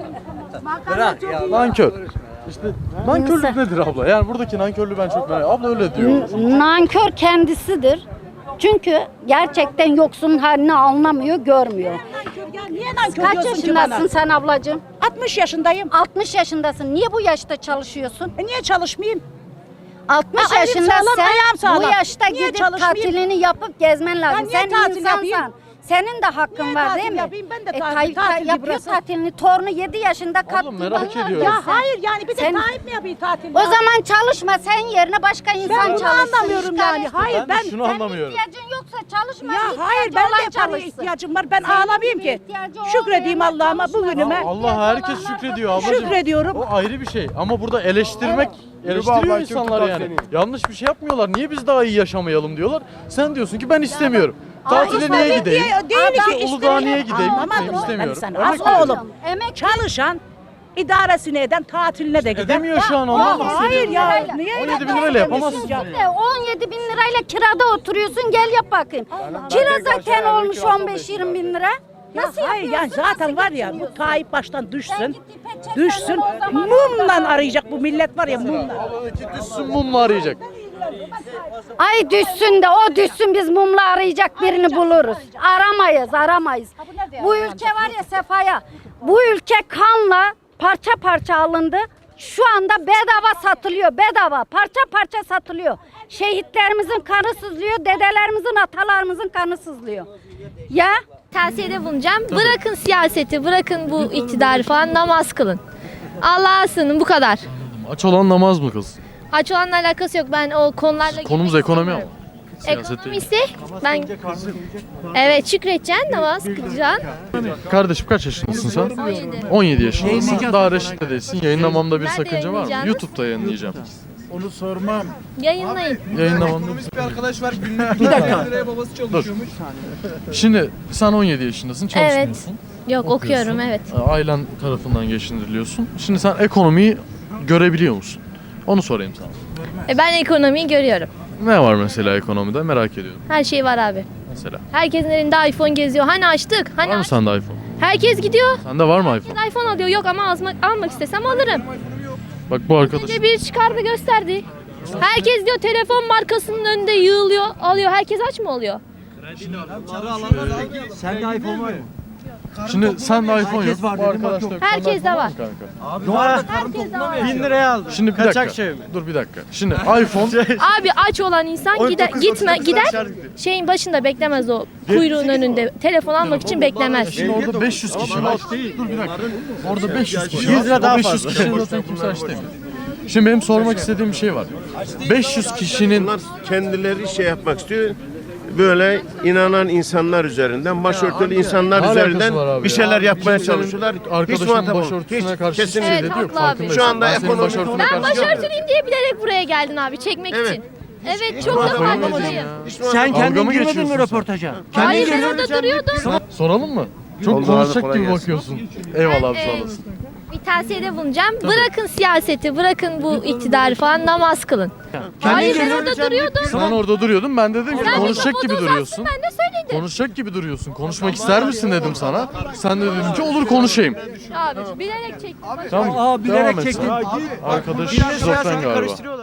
[SPEAKER 2] Nankör. İşte nankörlük nedir abla? Yani buradaki nankörlüğü ben çok merak. Abla öyle diyor.
[SPEAKER 7] Nankör kendisidir. Çünkü gerçekten yoksulun halini anlamıyor, görmüyor.
[SPEAKER 12] Ya niye nankör
[SPEAKER 7] Kaç
[SPEAKER 12] diyorsun ki bana?
[SPEAKER 7] yaşındasın sen ablacığım?
[SPEAKER 12] 60 yaşındayım.
[SPEAKER 7] 60 yaşındasın. Niye bu yaşta çalışıyorsun?
[SPEAKER 12] Niye çalışmayayım?
[SPEAKER 7] 60
[SPEAKER 12] Ha, elim
[SPEAKER 7] yaşında
[SPEAKER 12] sağlam,
[SPEAKER 7] sen
[SPEAKER 12] ayağım sağlam.
[SPEAKER 7] bu yaşta
[SPEAKER 12] Niye
[SPEAKER 7] gidip
[SPEAKER 12] çalışmayayım?
[SPEAKER 7] tatilini yapıp gezmen lazım.
[SPEAKER 12] niye
[SPEAKER 7] Sen
[SPEAKER 12] tatil
[SPEAKER 7] insansan.
[SPEAKER 12] yapayım?
[SPEAKER 7] Senin de hakkın var değil mi?
[SPEAKER 8] Yapayım, ben de
[SPEAKER 7] Tayyip
[SPEAKER 8] tatil
[SPEAKER 7] yapıyor
[SPEAKER 8] burası.
[SPEAKER 7] tatilini. Torunu 7 yaşında kattı.
[SPEAKER 2] merak ediyorum.
[SPEAKER 8] Ya hayır yani bir de
[SPEAKER 7] Sen-
[SPEAKER 8] Tayyip mi yapayım tatil?
[SPEAKER 7] O zaman çalışma, sen yerine başka insan
[SPEAKER 8] ben bunu
[SPEAKER 7] çalışsın.
[SPEAKER 8] anlamıyorum yani. Hayır
[SPEAKER 2] Ben de şunu anlamıyorum.
[SPEAKER 7] İhtiyacın yoksa çalışma.
[SPEAKER 8] Ya hayır ben de paraya ihtiyacım var. Ben ağlamayayım ki. Şükredeyim Allah'ıma bugünüme.
[SPEAKER 2] Allah herkes şükrediyor ablacığım.
[SPEAKER 8] Şükrediyorum.
[SPEAKER 2] O ayrı bir şey ama burada eleştiriyor insanlar yani. Yanlış bir şey yapmıyorlar. Niye biz daha iyi yaşamayalım diyorlar. Sen diyorsun ki ben istemiyorum. Tatile niye gideyim?
[SPEAKER 8] Değil ki
[SPEAKER 2] Uludağ'a niye gideyim?
[SPEAKER 8] Anlamadım.
[SPEAKER 2] Gitmek istemiyorum.
[SPEAKER 8] Sen
[SPEAKER 2] Örnek
[SPEAKER 8] az
[SPEAKER 2] veriyorum.
[SPEAKER 8] oğlum. Çalışan idaresini eden tatiline de gider.
[SPEAKER 2] Edemiyor şu an ondan
[SPEAKER 8] Hayır ya. Niye
[SPEAKER 2] 17 bin lirayla yapamazsın.
[SPEAKER 7] 17 bin lirayla kirada oturuyorsun, gel yap bakayım. Kira zaten olmuş 15-20 bin lira. Nasıl
[SPEAKER 8] Hayır yani
[SPEAKER 7] yapıyorsun?
[SPEAKER 8] zaten var ya bu Tayyip baştan düşsün. Düşsün. Mumla arayacak bu millet var ya mumla.
[SPEAKER 2] Düşsün mumla arayacak.
[SPEAKER 7] Ay düşsün de o düşsün, biz mumla arayacak birini buluruz. Aramayız. Bu ülke var ya Sefaya, bu ülke kanla parça parça alındı. Şu anda bedava satılıyor, bedava parça parça satılıyor. Şehitlerimizin kanı sızlıyor, dedelerimizin, atalarımızın kanı sızlıyor. Ya
[SPEAKER 13] Tavsiyede bulunacağım. Bırakın siyaseti, bırakın bu iktidarı falan, namaz kılın. Allah'a sığının, bu kadar.
[SPEAKER 2] Aç olan namaz mı kız?
[SPEAKER 13] Aç olanla alakası yok. Ben o konularla...
[SPEAKER 2] Konumuz ekonomi ama. Siyaset değil.
[SPEAKER 13] Ekonomi ise ben... Evet, şükredeceksin, namaz kılacaksın.
[SPEAKER 2] Kardeşim kaç yaşındasın sen?
[SPEAKER 13] 17.
[SPEAKER 2] 17 yaşındasın. Daha reşit de değilsin. Yayınlamamda bir
[SPEAKER 13] Ben de
[SPEAKER 2] sakınca var mı?
[SPEAKER 13] yayınlayacağım.
[SPEAKER 2] YouTube'da yayınlayacağım.
[SPEAKER 13] Yayınlayın.
[SPEAKER 2] Yayınlamamda bir arkadaş var. Bir dakika. Dur. Şimdi sen 17 yaşındasın. Çalışmıyorsun.
[SPEAKER 13] Yok, okuyorum, evet.
[SPEAKER 2] Ailen tarafından geçindiriliyorsun. Şimdi sen ekonomiyi görebiliyor musun? Onu sorayım sana.
[SPEAKER 13] Ben ekonomiyi görüyorum.
[SPEAKER 2] Ne var mesela ekonomide merak ediyorum.
[SPEAKER 13] Her şey var abi.
[SPEAKER 2] Mesela.
[SPEAKER 13] Herkesin elinde iPhone geziyor. Hani açtık? Hani
[SPEAKER 2] Var mı
[SPEAKER 13] açtık?
[SPEAKER 2] sende iPhone?
[SPEAKER 13] Herkes gidiyor.
[SPEAKER 2] Sende var mı iPhone?
[SPEAKER 13] iPhone alıyor. Yok ama almak istesem alırım.
[SPEAKER 2] Bak bu arkadaş.
[SPEAKER 13] Önce bir çıkardı gösterdi. Herkes diyor telefon markasının önünde yığılıyor, alıyor. Herkes aç mı oluyor?
[SPEAKER 9] Sende iPhone var mı?
[SPEAKER 2] Şimdi sende iPhone yok.
[SPEAKER 9] var
[SPEAKER 2] Bu
[SPEAKER 9] dedim,
[SPEAKER 2] arkadaşta yok.
[SPEAKER 13] Herkes
[SPEAKER 2] Sende
[SPEAKER 13] de
[SPEAKER 2] iPhone
[SPEAKER 13] var.
[SPEAKER 2] mu kanka?
[SPEAKER 13] Herkes de var.
[SPEAKER 9] 1000 liraya aldım.
[SPEAKER 2] Şimdi bir dakika. Dur bir dakika. Şimdi iPhone
[SPEAKER 13] Abi aç olan insan gider şeyin başında beklemez, o kuyruğun önünde telefon almak için beklemez.
[SPEAKER 2] Şimdi orada 500 kişi var. Dur bir dakika. Orada 500 kişi var.
[SPEAKER 9] 100 lira daha
[SPEAKER 2] 500 kişi zaten kimse aç demiyor. Şimdi benim sormak istediğim bir şey var. 500 kişinin
[SPEAKER 14] Kendileri şey yapmak istiyor. Böyle inanan insanlar üzerinden, başörtülü insanlar
[SPEAKER 2] Ne alakası
[SPEAKER 14] üzerinden
[SPEAKER 2] var abi
[SPEAKER 14] bir
[SPEAKER 2] ya?
[SPEAKER 14] şeyler yapmaya
[SPEAKER 2] Kimsenin
[SPEAKER 14] çalışıyorlar. Hiç
[SPEAKER 2] arkadaşımın
[SPEAKER 14] muhatap olmuyor.
[SPEAKER 2] başörtüsüne karşı hiçbir
[SPEAKER 14] kesinlikle.
[SPEAKER 2] şey dedi yok.
[SPEAKER 13] haklı abi.
[SPEAKER 2] Farkındayım.
[SPEAKER 14] Şu anda
[SPEAKER 2] Ben senin
[SPEAKER 14] ekonomik
[SPEAKER 2] başörtüne
[SPEAKER 14] olarak-
[SPEAKER 13] Ben
[SPEAKER 2] karşı
[SPEAKER 13] başörtülüyüm diye bilerek buraya geldin abi, çekmek
[SPEAKER 14] Evet.
[SPEAKER 13] için. Evet, çok da
[SPEAKER 2] Kafayı mı yedin
[SPEAKER 13] farkındayım.
[SPEAKER 2] ya?
[SPEAKER 9] Sen
[SPEAKER 2] Dalga
[SPEAKER 9] kendin
[SPEAKER 2] mı
[SPEAKER 9] girmedin
[SPEAKER 2] geçiyorsun
[SPEAKER 9] mi
[SPEAKER 2] sen?
[SPEAKER 9] röportaja?
[SPEAKER 13] Hayır, ben orada duruyordum.
[SPEAKER 2] Soralım mı? Çok
[SPEAKER 14] Oldu abi,
[SPEAKER 2] konuşacak
[SPEAKER 14] kolay
[SPEAKER 2] gibi
[SPEAKER 14] gelsin.
[SPEAKER 2] bakıyorsun. Eyvallah abi
[SPEAKER 13] Ben,
[SPEAKER 2] sağ olasın.
[SPEAKER 13] Bir tavsiyede bulunacağım. Bırakın siyaseti, bırakın bu iktidarı falan, namaz kılın. Hayır, ben orada duruyordum.
[SPEAKER 2] Sen orada duruyordun. Ben dedim ki
[SPEAKER 13] Sen
[SPEAKER 2] konuşacak
[SPEAKER 13] mikrofonu
[SPEAKER 2] gibi
[SPEAKER 13] uzatsın,
[SPEAKER 2] duruyorsun.
[SPEAKER 13] ben de söyledim.
[SPEAKER 2] Konuşacak gibi duruyorsun. Konuşmak ister misin dedim sana. Sen de dedin ki olur konuşayım.
[SPEAKER 13] Abi bilerek çektim.
[SPEAKER 2] Tamam.
[SPEAKER 9] Aa, bilerek
[SPEAKER 2] devam et
[SPEAKER 9] çektin.
[SPEAKER 2] sen. Arkadaş
[SPEAKER 9] Dinle
[SPEAKER 2] şizofren
[SPEAKER 9] siyaseti
[SPEAKER 2] galiba.
[SPEAKER 9] karıştırıyorlar.